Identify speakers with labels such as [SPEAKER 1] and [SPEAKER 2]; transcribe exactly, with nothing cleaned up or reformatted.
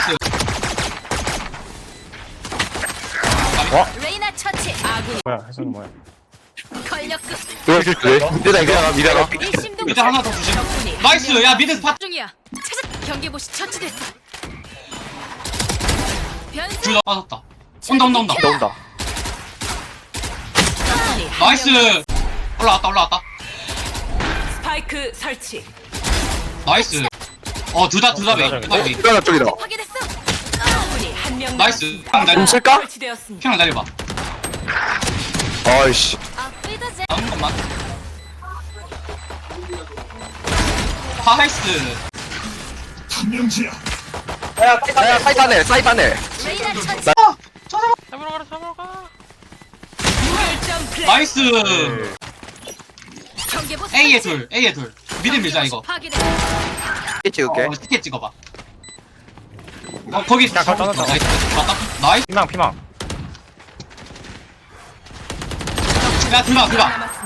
[SPEAKER 1] 나이스.
[SPEAKER 2] 레이나 처치. 아군
[SPEAKER 3] 뭐야 해수는 뭐야?
[SPEAKER 2] 권력급.
[SPEAKER 4] 이거 그래? 미드다 이거 미드다.
[SPEAKER 2] 일심동.
[SPEAKER 1] 미드 하나 더 주심.
[SPEAKER 2] 적군이
[SPEAKER 1] 나이스.
[SPEAKER 2] 한
[SPEAKER 1] 야
[SPEAKER 2] 명
[SPEAKER 1] 미드 스팟.
[SPEAKER 2] 중이야. 찾아. 경계보시 처치됐어. 변수.
[SPEAKER 1] 둘 다 빠졌다. 온다 온다 온다.
[SPEAKER 4] 온다 온다.
[SPEAKER 2] 적군이 한
[SPEAKER 1] 나이스.
[SPEAKER 2] 명.
[SPEAKER 1] 올라왔다 올라왔다.
[SPEAKER 2] 스파이크 설치.
[SPEAKER 1] 나이스. 어 둘 다 둘 다 메인.
[SPEAKER 3] 어,
[SPEAKER 1] 둘다 메인.
[SPEAKER 4] 이거 쪽이다.
[SPEAKER 2] 파괴됐어. 적군이 한명
[SPEAKER 1] 나이스. 그냥
[SPEAKER 4] 좀
[SPEAKER 1] 날려.
[SPEAKER 4] 쓸까?
[SPEAKER 2] 설치되었습니다.
[SPEAKER 1] 그냥 날려봐.
[SPEAKER 4] 아이씨.
[SPEAKER 2] 아프이더제.
[SPEAKER 1] 나온 것만. 나이스.
[SPEAKER 4] 야 사이판에 사이판에.
[SPEAKER 2] 레이나 처치.
[SPEAKER 1] 아, 저 잡아.
[SPEAKER 3] 잡으러 가라 잡으러 가.
[SPEAKER 2] 무결점 플레이.
[SPEAKER 1] 나이스.
[SPEAKER 2] 경계보시
[SPEAKER 1] A에
[SPEAKER 2] 설치.
[SPEAKER 1] 둘, A에 둘. 미드 밀자 이거.
[SPEAKER 2] 파괴됐어.
[SPEAKER 4] 찍을게.
[SPEAKER 1] 어, 티켓 찍어봐. 어 거기
[SPEAKER 3] 야, 거기 떠났다.
[SPEAKER 1] 나이스. 맞다. 나이스.
[SPEAKER 3] 피망 피망.
[SPEAKER 1] 야 들어가 들어가.